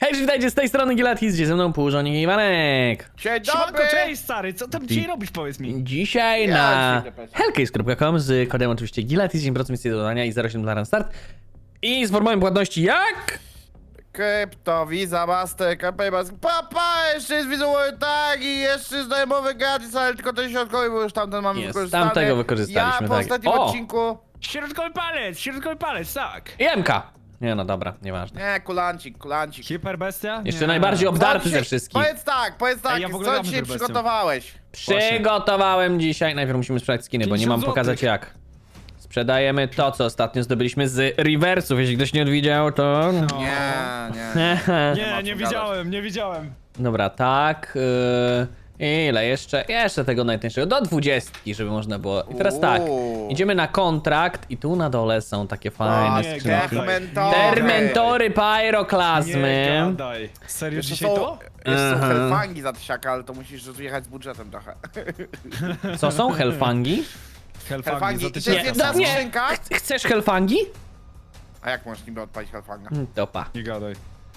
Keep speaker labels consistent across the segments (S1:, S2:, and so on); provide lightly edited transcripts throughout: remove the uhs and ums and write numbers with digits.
S1: Cześć, witajcie z tej strony Gilatis, ze mną Półżonik i Iwanek.
S2: Dzień
S3: Siemanko,
S2: dobry!
S3: cześć stary, co tam dzisiaj robisz, powiedz mi?
S1: Dzisiaj
S2: Ja
S1: na
S2: ci idę
S1: hellcase.com z kodem oczywiście Gilatis, 10% misji do dodania i 0,7 dla start. I z formą płatności jak?
S2: Krypto, Visa, Master, Payback. Papa, jeszcze jest wizualny tak i jeszcze znajomowy gratis, ale tylko ten środkowy, bo już tamten mamy
S1: Jest,
S2: wykorzystany.
S1: tamtego wykorzystaliśmy,
S2: Ja po
S1: tak.
S2: ostatnim
S1: O!
S2: odcinku...
S3: Środkowy palec, tak.
S1: I MK. Nie no dobra, nieważne.
S2: Nie, kulancik.
S3: Hiperbestia?
S1: Jeszcze
S3: Nie.
S1: najbardziej
S2: Co
S1: obdarty
S2: dzisiaj-
S1: ze wszystkich.
S2: Powiedz tak,
S3: Ej, ja w ogóle
S2: co
S3: dam
S2: dzisiaj
S3: Hyperbestię.
S2: przygotowałeś?
S1: Przygotowałem dzisiaj, najpierw musimy sprzedać skiny, bo nie
S3: 50
S1: mam pokazać
S3: złotych.
S1: jak. Sprzedajemy to, co ostatnio zdobyliśmy z reversów, jeśli ktoś nie odwiedział, to...
S3: No.
S2: Nie.
S3: Nie widziałem, nie widziałem.
S1: Dobra, tak. Ile jeszcze? Jeszcze tego najtańszego. Do 20, żeby można było. I teraz tak. Idziemy na kontrakt i tu na dole są takie fajne
S3: nie,
S1: skrzynki.
S2: Termentory.
S1: Termentory,
S3: Nie
S1: pyroklazmy.
S3: gadaj. Serio
S2: Jeszcze
S3: dzisiaj
S2: są,
S3: to?
S2: jeszcze są
S1: Aha.
S2: hellfangi za tysiaka, ale to musisz jechać z budżetem trochę.
S1: Co są? Hellfangi?
S2: Hellfangi.
S3: za
S2: I to jest
S3: tysiąc.
S2: jedna
S1: Nie.
S2: skrzynka.
S1: Chcesz Hellfangi?
S2: A jak możesz niby odpalić hellfanga?
S1: Topa.
S3: Nie gadaj.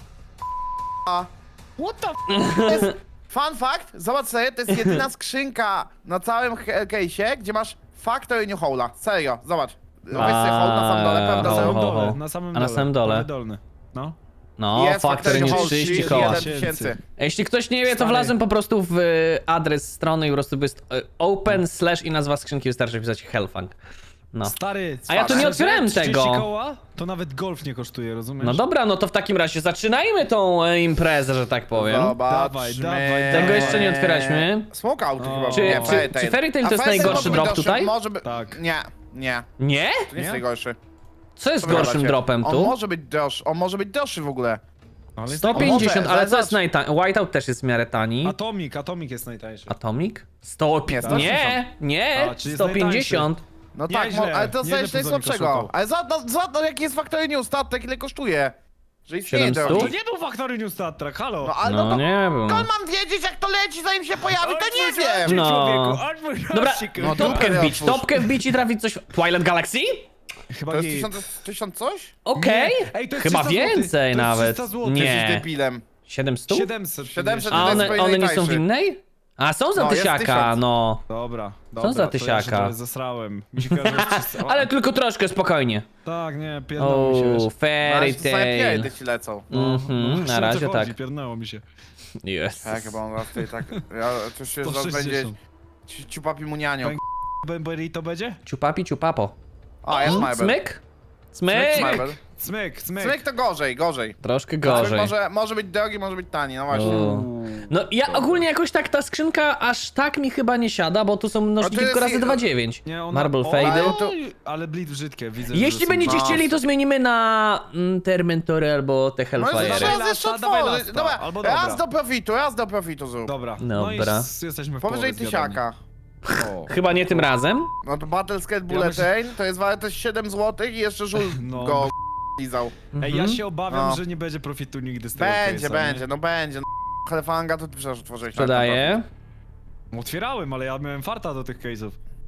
S2: A.
S3: What the
S2: To jest fun fact, zobacz sobie, to jest jedyna skrzynka na całym case'ie, gdzie masz Factory New Hole'a. Serio, zobacz. Weź sobie hole na samym dole, prawda?
S1: Ho,
S2: Zero.
S1: ho, ho.
S3: dole, na samym
S1: A na
S3: dole.
S1: samym dole?
S3: Prawy dolny. No.
S1: No,
S2: Jest
S1: Factory
S2: New
S1: News
S2: Hole
S1: 30
S2: 31
S1: koła.
S2: tysięcy.
S1: Jeśli ktoś nie wie, to
S3: Stary.
S1: wlazłem po prostu w adres strony i po prostu jest open slash i nazwa skrzynki, wystarczy wpisać Hellfang. No.
S3: Stary,
S1: A ja tu nie
S3: szczerze,
S1: otwierałem
S3: 30
S1: tego.
S3: koła? To nawet golf nie kosztuje, rozumiesz?
S1: No dobra, no to w takim razie zaczynajmy tą imprezę, że tak powiem.
S2: Zobaczmy.
S3: Dawaj.
S1: Tego jeszcze nie otwieraliśmy.
S2: Smokeout chyba.
S1: Czy-
S2: nie,
S1: czy Fairy Tail
S2: A
S1: to jest
S2: Fairy Tail
S1: najgorszy
S2: może być
S1: drop
S2: gorszy,
S1: tutaj?
S2: Może być...
S3: Tak.
S2: Nie.
S1: Nie?
S2: To nie jest
S3: Nie?
S2: najgorszy.
S1: Co jest
S2: Co wy
S1: gorszym
S2: gadacie?
S1: dropem
S2: On
S1: tu?
S2: może być droższy, on może być droższy w ogóle.
S3: Ale jest
S1: 150,
S2: może,
S1: ale
S2: ale
S1: co jest
S2: zobacz.
S1: najtańszy? Whiteout też jest w miarę tani.
S3: Atomic jest najtańszy.
S1: Atomic? 150.
S2: Nie,
S1: Nie,
S3: A, czyli jest
S1: 150.
S2: No
S3: Nieźle,
S2: tak, ale to
S3: nieźle
S2: jest najsłabszego.
S3: szukał.
S2: Ale zobacz, jaki jest Factory New statek, ile kosztuje. Że istnieje
S1: 700?
S2: drogi.
S3: To nie był Factory New Star Trek, halo!
S2: No ale
S1: No
S2: to...
S1: nie był.
S2: Skąd mam wiedzieć, jak to leci, zanim się pojawi, to nie wiem!
S1: No. Dobra,
S2: No
S1: topkę
S2: dupę
S1: wbić,
S2: otwórz.
S1: topkę wbić i trafić coś. Twilight Galaxy?
S3: Chyba
S2: To jest
S3: git.
S2: 1000 coś?
S1: Okej.
S3: Nie. Ej, to jest
S1: Chyba
S3: 300 złotych.
S1: więcej
S3: To jest
S1: nawet.
S3: 300 złotych.
S2: Jesteś
S1: Nie.
S2: debilem.
S1: 700?
S3: 700.
S2: 700
S1: A
S2: to jest
S1: one
S2: swoje
S1: nie są w
S2: najtańsze.
S1: innej? A są za
S2: No, jest
S1: tysiaka,
S2: 1000.
S1: no.
S3: Dobra,
S1: Co za
S3: to ja
S1: tysiaka?
S3: się trochę zasrałem. Mi się kojarzy, że 300.
S1: Ale tylko troszkę, spokojnie.
S3: Tak, nie, pierdnęło mi się,
S1: O,
S3: wiesz.
S1: Fairy
S2: Same
S1: Tail.
S2: pierdy ci lecą.
S1: Mhm, na razie tak.
S3: Pierdnęło mi się.
S1: Jest.
S2: Tak, chyba on raz tutaj tak... Ja, to się zaraz będzie...
S3: 160.
S2: Ciupapi munianiu.
S3: Pęk- Bemberi to będzie?
S1: Ciupapi, ciupapo.
S2: A, jest Marble.
S1: Smyk?
S2: Smyk,
S1: Smyk?
S2: Marble.
S3: Smyk.
S2: Smyk to gorzej.
S1: Troszkę
S2: Smyk
S1: gorzej.
S2: może być drogi, może być tani, no właśnie.
S1: O. No ja ogólnie jakoś tak ta skrzynka aż tak mi chyba nie siada, bo tu są mnożniki
S2: jest
S1: tylko razy
S2: i-
S1: 2,9.
S3: Nie, ona...
S1: Marble
S3: o,
S1: Fade.
S3: Ale bleed brzydkie, widzę.
S1: Jeśli
S3: że są-
S1: będziecie
S2: No.
S1: chcieli, to zmienimy na Termentory albo te
S2: No
S1: Hellfire'y.
S2: raz
S3: Dawaj
S2: jeszcze
S3: lasta, dawaj
S2: otworzyć.
S3: lasta,
S2: Dobra,
S3: albo dobra.
S2: raz do profitu zrób.
S3: Dobra.
S1: Dobra.
S3: No i jesteśmy w
S2: Powyżej
S3: połowie zjadani.
S2: tysiaka.
S3: O.
S1: Chyba nie tym razem.
S2: No to Battlescat
S3: Ja
S2: Bullet
S3: myślę-
S2: Train to jest warte 7 zł i jeszcze żul
S3: No.
S2: go lizał.
S3: Ej, ja się obawiam,
S2: No.
S3: że nie będzie profitu nigdy z tego
S2: Będzie,
S3: case'a,
S2: będzie, no będzie. No, Hellfanga to ty przecież otworzyłeś.
S1: Sprzedaję.
S3: nie? Otwierałem, ale ja miałem farta do tych case'ów.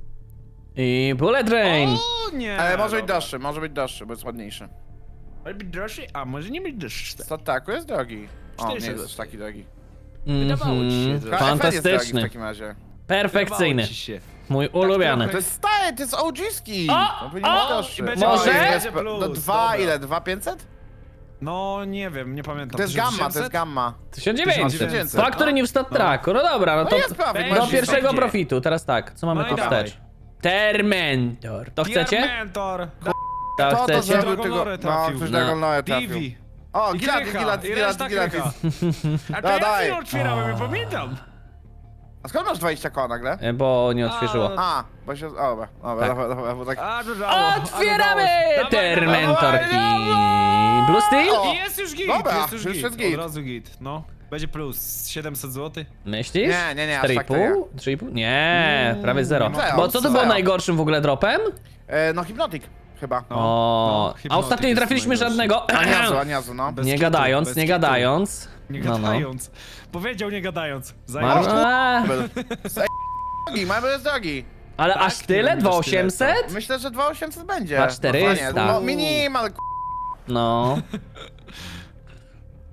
S1: I Bullet Train.
S3: O nie!
S2: Ale może być
S3: dobra.
S2: droższy, bo jest ładniejszy.
S3: Może być droższy? A może nie być droższy.
S2: Stataku jest drogi. O, nie
S3: 400
S2: jest aż taki drogi.
S3: Wydawało ci się, że-
S2: FL jest drogi w
S1: Fantastyczny.
S2: takim razie.
S1: Perfekcyjny.
S3: Wydawało ci się.
S1: Mój ulubiony.
S2: To jest stary, to jest OG-ski!
S1: O,
S2: To powinien być
S1: o,
S2: droższy.
S3: i będzie
S1: Może?
S2: No,
S3: będzie plus,
S2: no dwa,
S3: dobra.
S2: ile? 2500?
S3: No nie wiem, nie pamiętam.
S2: To jest gamma, to
S3: 1800?
S2: jest gamma.
S1: 1900.
S2: 1900.
S1: Faktory nie w stat tracku. No dobra, no
S2: No
S1: to
S2: jest profit,
S1: do
S2: masz
S1: pierwszego
S3: będzie.
S1: profitu. Teraz tak, co mamy
S3: No i
S1: tu
S3: dawaj.
S1: wstecz? Termentor. To chcecie?
S3: Mentor.
S1: To
S2: To
S1: chcecie?
S2: zrobił
S3: Dragonlore
S2: tego... No,
S3: trafił.
S2: ktoś
S1: No.
S2: Dragonlore trafił.
S3: Divi.
S2: O,
S3: I
S2: Gilatis,
S3: Krycha,
S2: Gilatis,
S3: i reszta
S2: Gilatis.
S3: Krycha. A to
S2: Da,
S3: ja
S2: daj.
S3: nie otwierałem, ja pamiętam.
S2: A skąd masz 20 koła nagle?
S1: Bo nie odświeżyło.
S2: A, bo się... O, dobra,
S1: Tak.
S2: dobra, bo tak...
S3: A, dodało.
S1: Otwieramy Termentorki.
S2: dawaj.
S1: Blue Steel?
S2: O.
S3: I jest już git,
S2: Dobra,
S3: jest już
S2: już
S3: git.
S2: jest git.
S3: Od razu git, no. Będzie plus 700 zł.
S1: Myślisz?
S2: Nie, aż tak to
S1: 4,5? 3,5? Nie, prawie 0.
S2: zero,
S1: Bo co to było
S2: zero.
S1: najgorszym w ogóle dropem?
S2: No, Hypnotic chyba.
S3: No,
S1: O, a
S3: Hypnotic
S1: ostatnio nie
S3: jest
S1: trafiliśmy
S3: najgorszy.
S1: żadnego.
S2: Aniazu, no.
S3: Bez
S1: Nie
S3: kitu,
S1: gadając,
S3: bez
S1: nie
S3: kitu.
S1: gadając.
S3: Nie
S1: No, no.
S3: gadając. Powiedział nie gadając.
S1: Mar- A,
S2: Drogi, mamy jest drogi.
S1: ale
S3: Tak,
S1: aż tyle?
S3: nie wiem,
S1: 2800?
S2: Myślę, że 2800 będzie.
S1: 2400.
S2: No, minimal,
S1: No.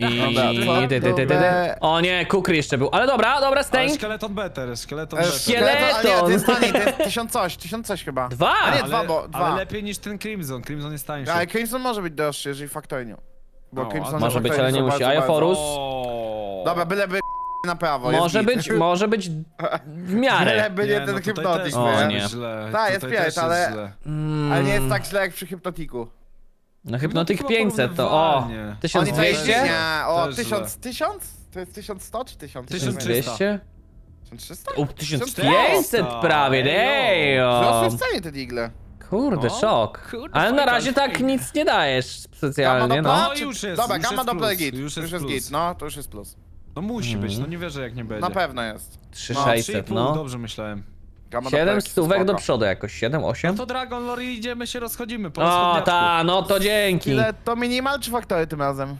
S1: I...
S2: Dobra,
S1: O nie, Kukry jeszcze był. Ale dobra,
S3: Ale
S1: Stęk.
S3: szkieleton better, szkieleton
S1: Szkielet-
S3: better.
S2: Ale nie, to jest taniej, to jest 1000 coś chyba.
S1: Dwa?
S2: A nie,
S3: Ale,
S2: dwa, bo dwa.
S3: ale lepiej niż ten Crimson, Crimson jest tańszy.
S2: Ale Crimson może być droższy, jeżeli Factory nie. Bo
S3: No,
S2: Crimson
S3: a
S1: może
S2: i
S1: być,
S2: Factory
S1: ale nie
S2: są
S1: musi.
S2: bardzo,
S1: A Jaforus?
S3: O.
S2: Dobra, byleby na prawo, jest
S1: Może
S2: git.
S1: być, może być w miarę.
S2: Byleby nie ten
S3: tutaj
S2: hypnotik,
S3: też
S1: O,
S3: może
S1: nie.
S3: być źle.
S2: Tak, jest
S3: Tutaj też
S2: pięć, ale-
S3: źle.
S2: Ale nie jest tak źle jak przy hypnotiku.
S1: No Hypnotic
S3: chyba
S1: 500 to o,
S3: porównywalnie.
S2: Oni to
S1: 1200?
S2: nie, o
S3: Też
S2: 1000? To jest 1100 czy 1000?
S1: 1200?
S2: 1300?
S1: O, 1500 prawie,
S2: Wzrosły
S1: damn.
S2: w cenie te digle.
S1: Kurde,
S3: No,
S1: szok.
S3: kurde,
S1: Ale na
S3: fajka,
S1: razie tak
S3: fajka.
S1: nic nie dajesz specjalnie,
S2: Gamma
S1: no.
S2: Doppler, czy-
S3: już jest,
S2: Dobra,
S3: już
S2: Gamma
S3: jest
S2: Doppler
S3: plus,
S2: git,
S3: już
S2: już
S3: jest
S2: jest
S3: plus.
S2: git, no, to już jest plus.
S3: No musi być, no nie wierzę jak nie będzie.
S2: Na pewno jest.
S1: 3600,
S3: 3,5,
S1: no.
S3: dobrze myślałem.
S2: Gamma
S1: 7
S2: Doppler
S1: stówek do
S2: spoko.
S1: przodu jakoś, 7,
S3: No
S1: 8?
S3: to Dragon Lore idziemy się rozchodzimy po
S1: O,
S3: rozchodniaczku.
S1: ta, no to dzięki.
S2: Ile to minimal czy Factory tym razem?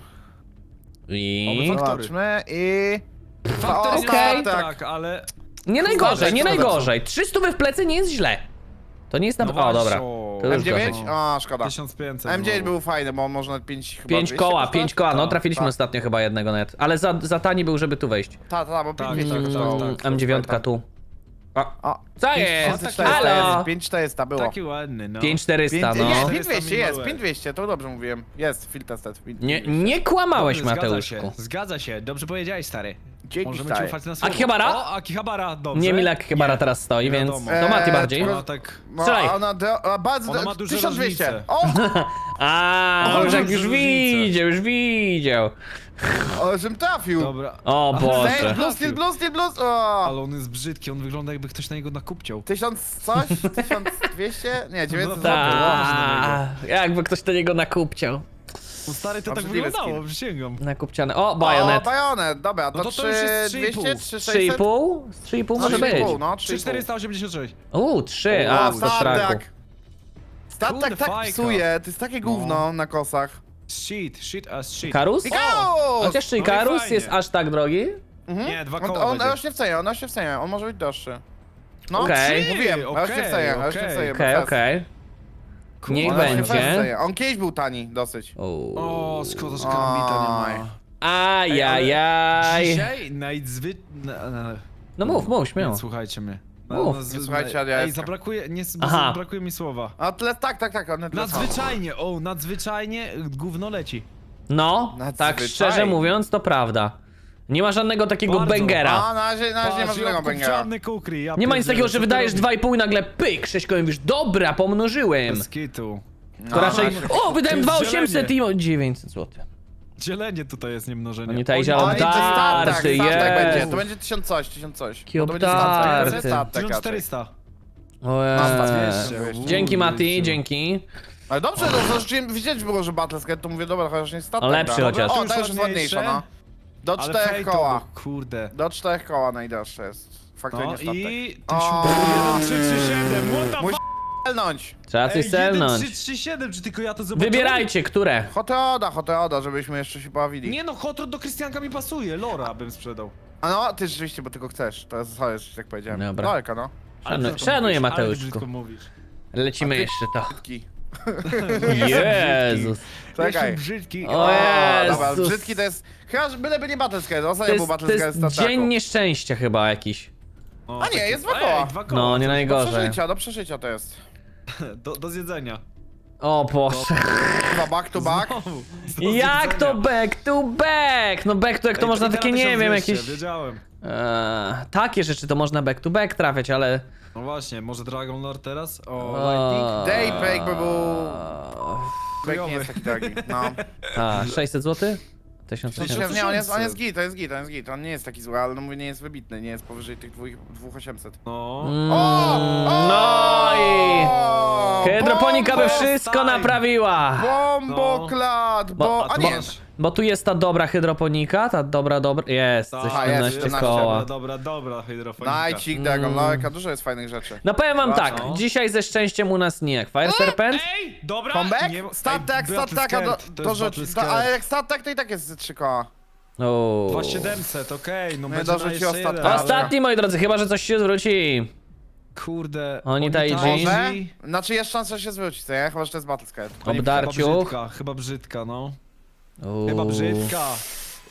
S1: I...
S3: Oby Factory.
S2: Zobaczmy i...
S3: Faktory
S2: O,
S1: okej.
S3: tak, ale...
S1: Nie najgorzej, nie
S2: Kurde,
S1: najgorzej. 300 w plecy nie jest źle. To nie jest na...
S3: No
S1: O,
S3: właśnie,
S1: dobra.
S3: o.
S1: To już
S2: M9?
S1: gorzej.
S2: O, szkoda.
S3: 1500
S2: M9
S3: znowu.
S2: był fajny, bo można 5 chyba
S1: 5
S2: 200
S1: koła,
S2: kosztować?
S1: 5 koła, no
S3: Tak,
S1: trafiliśmy
S2: tak.
S1: ostatnio chyba jednego net. Ale za tani był, żeby tu wejść.
S2: Tak, bo 5
S3: Tak,
S2: 200
S3: tak,
S2: kosztowało.
S3: tak.
S1: M9 tu.
S2: O,
S1: Co jest?
S2: 5400
S1: Halo?
S2: jest, 5400 było.
S3: Taki ładny, no.
S1: 5400, no.
S2: Nie,
S3: 400
S2: 5200 jest,
S3: minąłeś.
S2: 5200, to dobrze mówiłem. Jest, field tested.
S1: Nie kłamałeś,
S3: Dobrze,
S1: Mateuszku.
S3: Zgadza się, dobrze powiedziałeś, stary.
S2: Dzięki,
S3: Możemy
S2: stary.
S3: ci ufać na słowo.
S1: Akihabara?
S3: O, Akihabara, dobrze.
S1: Nie Milak chyba
S3: Nie,
S1: teraz stoi,
S3: nie
S1: więc
S3: wiadomo.
S1: to Mati bardziej.
S3: Ona tak...
S2: No,
S1: Strzelaj.
S2: ona bardzo...
S3: Ona ma duże
S2: 1200.
S3: różnice.
S2: O,
S1: A,
S3: O,
S1: Orzek
S3: duże
S1: już
S3: różnice.
S1: widział, już widział.
S2: o, żem trafił.
S3: Dobra.
S1: O Boże.
S2: Plus, o.
S3: Ale on jest brzydki, on wygląda jakby ktoś na niego nakupciał.
S2: 1000 coś? 1200? Nie, 900
S3: No
S2: zł.
S1: Ta, jakby ktoś do niego nakupciał.
S3: No stary, to tak
S2: Obrzydliwy
S3: wyglądało,
S2: skin.
S3: przysięgam.
S1: Nakupciany. O,
S2: O,
S1: bajonet.
S2: bajonet, dobra, to
S3: No to już jest
S2: 3200,
S3: 3,5.
S2: 3600?
S1: 3,5? Z 3,5 może być.
S2: 3,5, no, 3,5.
S3: 3486.
S1: 3,
S3: O,
S1: a,
S2: O,
S1: w traku.
S2: statek. Statek
S3: Kurde,
S2: tak
S3: fajka.
S2: psuje, to jest takie gówno na kosach.
S3: Shit as shit.
S1: Karus?
S2: Ikarus!
S1: Chociaż czy
S3: No i
S1: Karus
S3: fajnie.
S1: jest aż tak drogi?
S3: Nie, 2
S2: On,
S3: koła
S2: on
S3: będzie.
S2: rośnie w cenie, on może być droższy. No,
S1: Okej.
S2: mówiłem, rośnie w cenie, rośnie w cenie.
S1: Okej, okej. Niech
S2: On rośnie w
S1: będzie.
S2: cenie. On kiedyś był tani dosyć.
S3: O, szkoda, że karambita nie ma.
S1: Ajajaj.
S3: Dzisiaj
S1: No mów, śmiało.
S3: Nie słuchajcie mnie.
S1: Mów.
S2: Nie słuchajcie, ale
S3: Ej,
S2: ja-
S3: zabrakuje, nie,
S1: Aha.
S3: brakuje mi słowa.
S2: A tyle, tak, one tyle samo.
S3: Nadzwyczajnie gówno leci.
S1: No, tak
S2: Nadzwyczajnie.
S1: szczerze mówiąc, to prawda. Nie ma żadnego takiego
S3: Bardzo.
S1: bangera.
S2: A, na razie nie ma żadnego bangera.
S3: kukry, ja
S1: Nie ma nic
S3: pierdzielę,
S1: takiego,
S3: co
S1: że
S3: ty
S1: wydajesz
S3: robisz?
S1: 2,5 i nagle pyk, 6 kołem, mówisz, dobra, pomnożyłem.
S3: Bez kitu.
S1: To raczej, o, wydałem
S3: To jest
S1: 2,800 i o 900 zł.
S3: Dzielenie tutaj jest, nie mnożenie.
S1: Oni tutaj
S3: Oni-
S1: zielą
S2: O, i to
S1: darty,
S2: statek
S1: jest.
S2: będzie, to będzie 1000 coś.
S1: Jaki
S2: To będzie statek, to będzie
S1: obdarty.
S2: statek raczej.
S3: 1400.
S1: Ojej. Dzięki Mati,
S3: Uuu,
S1: dzięki.
S2: Ale dobrze, no to widzieć było, że Battlescat, to mówię, dobra, chociaż nie statek.
S1: Lepszy
S2: da.
S1: chociaż.
S2: O,
S3: To
S2: to
S3: już
S2: już jest ładniejsza,
S3: ładniejsze.
S2: no. Do
S3: Ale
S2: 4
S3: fejto,
S2: koła.
S3: bo kurde.
S2: Do 4 koła najdroższe jest. Faktycznie
S3: No
S2: statek.
S3: i...
S2: O.
S3: 1337, what the
S2: Musi-
S3: fuck?
S2: Celnąć.
S1: Trzeba coś
S3: Ej,
S1: selnąć.
S3: 1337, czy tylko ja to zobaczyłem?
S1: Wybierajcie, które.
S2: Hoteoda, żebyśmy jeszcze się bawili.
S3: Nie no, Hot Rod do Krystianka mi pasuje, Lora bym sprzedał.
S2: A no, ty rzeczywiście, bo tylko chcesz. To jest sorry, że tak powiedziałem.
S1: Dobra.
S2: Daleka, no.
S1: Szanuję,
S3: Ale
S1: Mateuszku.
S3: brzydko mówisz.
S1: Lecimy jeszcze to.
S2: Brzydki.
S1: Jezus.
S2: Czekaj.
S3: Jestem brzydki.
S1: O
S2: Dobra,
S1: Jezus.
S2: brzydki to jest... Chyba, że byleby nie Battlescat,
S1: To
S2: ostatnio był
S1: jest, to
S2: Battlescat
S1: jest
S2: z Tataku.
S1: dzień nieszczęścia chyba jakiś.
S3: O,
S2: A nie,
S3: taki-
S2: jest 2 koła.
S3: Ej, 2 koła.
S1: No, nie
S2: Do
S1: najgorzej.
S2: przeżycia to jest.
S3: Do zjedzenia.
S1: O Boże.
S2: Chyba back to back.
S3: Znowu, do
S1: Jak to
S3: zjedzenia.
S1: back to back? No back to jak to
S3: Ej,
S1: można
S3: teraz
S1: takie, nie wiem,
S3: 1200,
S1: jakieś...
S3: Wiedziałem.
S1: Takie rzeczy to można back to back trafiać, ale...
S3: No właśnie, może Dragon Lord teraz? O,
S1: O,
S3: Lightning?
S2: Daybreak by był... Back nie
S3: Chujowy.
S2: jest taki drogi, no.
S1: A, 600 zł?
S3: 1000.
S1: 1800.
S2: Nie, on jest git. On nie jest taki zły, ale no mówię, nie jest wybitny, nie jest powyżej tych 2800.
S3: No.
S1: No i...
S2: O,
S1: Hydroponika by
S2: bombo-
S1: wszystko
S3: time.
S1: naprawiła.
S2: Bomboklat,
S1: Bo-
S2: A nie,
S1: Bo tu jest ta dobra hydroponika, ta dobra... Jest, ze
S3: Tak,
S1: 17
S2: jest,
S1: koła.
S3: Dobra, hydrofonika.
S2: Najcik, Dragon Loreka, dużo jest fajnych rzeczy.
S1: No powiem wam tak,
S3: No.
S1: dzisiaj ze szczęściem u nas nie jak Fire Serpent.
S3: Ej, dobra!
S2: Comeback?
S3: nie-
S2: Statek,
S3: Ej,
S2: stataka,
S3: Battlescat,
S2: do rzeczy,
S3: Battlescat.
S2: ale jak statek to i tak jest ze 3 koła.
S1: O.
S3: 2700, okej, no
S2: Nie
S3: będzie na
S2: dorzuciło
S3: jeszcze jeden,
S2: ostatnia.
S3: ale-
S1: Ostatni, moi drodzy, chyba że coś się zwróci.
S3: Kurde.
S1: Oni Taiji.
S2: Może? Znaczy jest szansa, że się zwróci, co nie? Chyba, że to jest Battlescat.
S1: Obdarciuch.
S3: Chyba brzydka, no.
S1: Uuu.
S3: Chyba brzydka.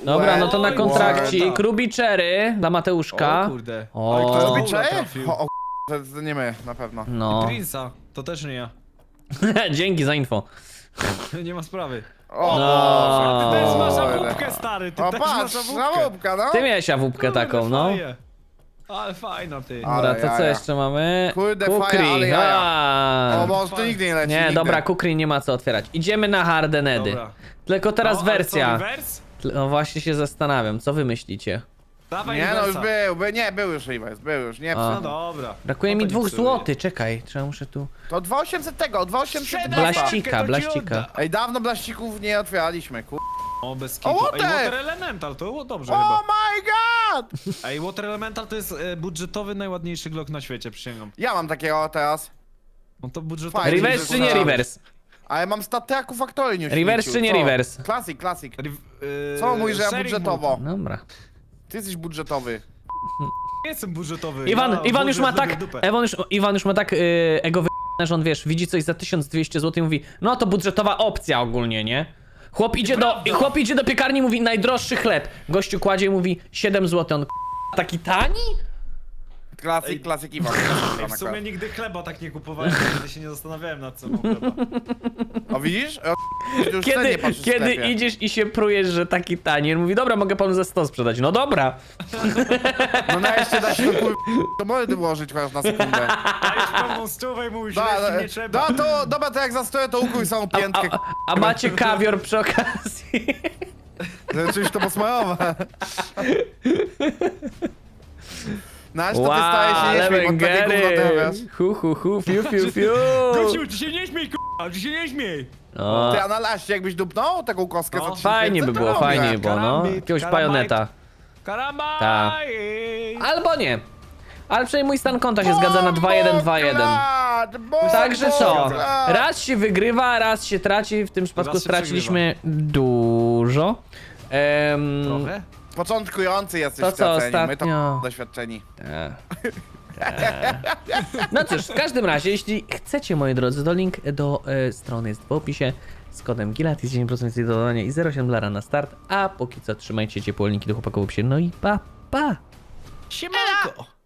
S1: Dobra, no to na
S3: Oj,
S1: kontrakcik.
S3: ładna.
S1: Ruby Cherry dla Mateuszka.
S3: O kurde.
S1: O.
S3: Ale
S2: To
S3: kto
S2: robi
S3: Paula
S2: Cze?
S3: trafił?
S2: O, to nie my, na pewno.
S1: No.
S3: Prince'a, to też nie ja.
S1: Dzięki za info.
S3: Nie ma sprawy.
S2: O,
S1: No.
S3: Ty też masz
S2: Kurde.
S3: awupkę, stary, ty
S2: O,
S3: też
S2: patrz,
S3: masz
S2: na
S3: awupkę.
S2: łupka, no.
S1: Ty miałeś awupkę taką, no.
S3: Fajnie. Ale fajna ty.
S2: A.
S1: Dobra, to co
S2: jaja.
S1: jeszcze mamy?
S2: Kurde,
S1: Kukri.
S2: fajnie, ale jaja.
S1: A.
S2: O, może to nigdy nie leci,
S1: Nie,
S2: nigdy.
S1: dobra, Kukri nie ma co otwierać. Idziemy na Hardenedy.
S3: Dobra.
S1: Tylko teraz
S3: No, ale
S1: wersja.
S3: Co, rewers?
S1: No właśnie się zastanawiam, co wy myślicie?
S3: Dawaj
S2: Nie, no już
S3: rewersa.
S2: był już reverse, był już, nie
S1: A.
S3: No
S2: psuj.
S3: dobra.
S1: Brakuje
S3: No
S1: mi
S3: to
S1: 2
S3: nic sobie.
S1: złotych, czekaj, trzeba muszę tu...
S2: To 2800 tego, 2800
S1: Blaścika,
S3: to ci
S1: blaścika.
S3: odda.
S2: Ej, dawno blaścików nie otwieraliśmy, kur...
S3: O, bez
S2: O,
S3: kitu.
S2: water!
S3: Ej, Water Elemental, to było dobrze
S2: Oh
S3: chyba.
S2: my god!
S3: Ej, Water Elemental to jest budżetowy, najładniejszy Glock na świecie, przysięgam.
S2: Ja mam takiego teraz.
S3: No to budżetowy.
S2: Fajnie,
S1: Reverse czy nie
S2: że-
S1: reverse?
S2: Ale mam Stateaku Factory New
S1: Reverse
S2: śmieciu,
S1: czy nie
S2: co?
S1: reverse?
S2: Classic.
S3: Yy,
S2: Co mówisz, że ja
S3: sharing
S2: budżetowo?
S1: Dobra.
S2: Ty jesteś budżetowy.
S3: Nie jestem budżetowy.
S1: Iwan,
S3: ja
S1: Iwan już ma
S3: budżet
S1: tak,
S3: lubię w dupę.
S1: Iwan już ma tak ego że on wiesz, widzi coś za 1200 zł i mówi, no to budżetowa opcja ogólnie, nie? Chłop idzie do piekarni i mówi najdroższy chleb. Gościu kładzie i mówi 7 zł, on taki tani?
S2: Classic Iwan.
S3: Ej, w sumie nigdy chleba tak nie kupowałem, nigdy się nie zastanawiałem nad ceną chleba.
S2: O widzisz? Już cenie patrzysz w
S1: Kiedy
S2: sklepie.
S1: idziesz i się prujesz, że taki tani, on mówi, dobra, mogę panu za 100 sprzedać. No dobra.
S2: No na jeszcze da się to mordy włożyć chociaż na sekundę.
S3: Dajesz pełną stówę i mówisz, że nie trzeba.
S2: Dobra, to jak zastoję, to ukrój samą piętkę.
S1: A macie kawior przy okazji.
S2: Czymś to posmajowe. Nasz to ty staje się nie śmiej, bo takie gówno ty wiesz.
S1: Hu, fiu, fiu, fiu.
S3: Gościu, ty się nie śmiej, k***a, ty się nie śmiej.
S1: No,
S2: Ty, a na laście jakbyś dupnął taką kostkę
S3: No.
S2: za 3000,
S1: fajnie by
S2: to
S1: było,
S2: robię.
S1: fajnie by było, no.
S3: Karambit,
S1: Jakiegoś
S3: karambajt.
S1: bajoneta.
S3: Karamba!
S1: Ta. Albo nie. Ale przynajmniej mój stan konta się zgadza na 2-1-2-1. Także co? Raz się wygrywa, raz się traci. W tym przypadku
S3: Raz się
S1: straciliśmy dużo.
S3: Trochę?
S2: Początkujący jesteś
S1: To
S2: w
S1: co
S2: tej ocenie, my
S1: ostatnio?
S2: to doświadczeni.
S1: No cóż, w każdym razie, jeśli chcecie, moi drodzy, to link do strony jest w opisie. Z kodem GILAT jest 10% więcej do dodania i $0,8 na start. A póki co trzymajcie ciepło, linki do chłopaków w opisie. No i pa, pa!
S3: Siemanko!